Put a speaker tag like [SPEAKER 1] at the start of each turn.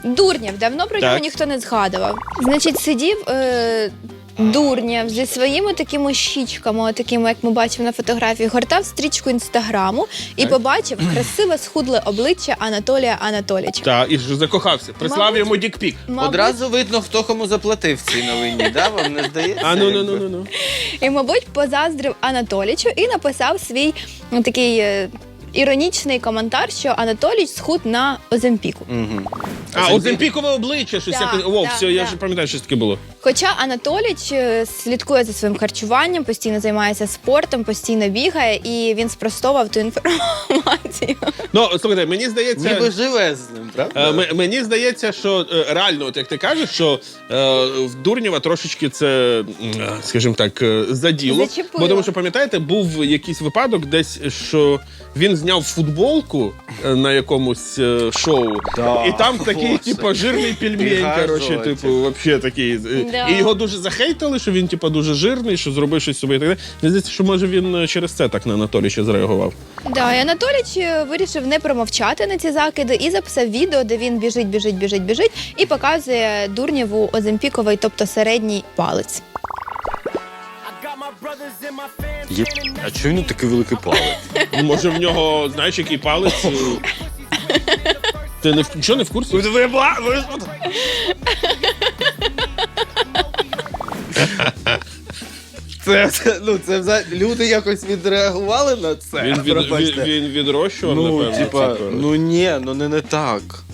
[SPEAKER 1] Дурнєв, давно про нього
[SPEAKER 2] Так.
[SPEAKER 1] ніхто не згадував. Значить, сидів Дурнєв зі своїми такими щічками, такими, як ми бачимо на фотографії, гортав стрічку Інстаграму і побачив красиве схудле обличчя Анатолія Анатолійовича.
[SPEAKER 2] Так, і ж закохався. Прислав
[SPEAKER 1] Мабуть-
[SPEAKER 2] йому дікпік.
[SPEAKER 3] Одразу видно, хто кому заплатив в цій новині, да? Вам не здається?
[SPEAKER 2] А ну.
[SPEAKER 3] якби?
[SPEAKER 1] І, мабуть, позаздрив Анатолічу і написав свій такий іронічний коментар, що Анатоліч схуд на Оземпіку.
[SPEAKER 3] Мгм.
[SPEAKER 2] А, Оземпікове обличчя, щось
[SPEAKER 1] Да,
[SPEAKER 2] якось. О,
[SPEAKER 1] да,
[SPEAKER 2] все, я
[SPEAKER 1] да.
[SPEAKER 2] ж пам'ятаю, що таке було.
[SPEAKER 1] Хоча Анатоліч слідкує за своїм харчуванням, постійно займається спортом, постійно бігає, і він спростовував ту інформацію.
[SPEAKER 2] Ну, слухайте, мені здається.
[SPEAKER 3] Ніби живе з ним, правда?
[SPEAKER 2] Мені здається, що реально, от як ти кажеш, що в Дурнєва трошечки це, скажімо так, заділо.
[SPEAKER 1] Зачепило.
[SPEAKER 2] Бо тому що, пам'ятаєте, був якийсь випадок десь, що він зняв футболку на якомусь шоу,
[SPEAKER 3] Да,
[SPEAKER 2] і там такий,
[SPEAKER 3] Боже.
[SPEAKER 2] типу, жирний пельмень,
[SPEAKER 3] Пригажувати.
[SPEAKER 2] коротше, типу, вообще такий.
[SPEAKER 1] Да.
[SPEAKER 2] І його дуже захейтили, що він, типу, дуже жирний, що зробив щось собі і так далі. Мені здається, що може він через це так на Анатолія зреагував.
[SPEAKER 1] Да, і Анатоліч вирішив не промовчати на ці закиди і записав відео, де він біжить і показує Дурнєву Оземпіковий, тобто середній палець.
[SPEAKER 3] А чого він такий великий палець?
[SPEAKER 2] Може, в нього, знаєш, який палець. Ти нічого не в курсі?
[SPEAKER 3] Це взагалі люди якось відреагували на це.
[SPEAKER 2] Він
[SPEAKER 3] Пробачте.
[SPEAKER 2] відрощував,
[SPEAKER 3] Ну,
[SPEAKER 2] напевно.
[SPEAKER 3] типа,
[SPEAKER 2] типу.
[SPEAKER 3] ну ні, ну не так.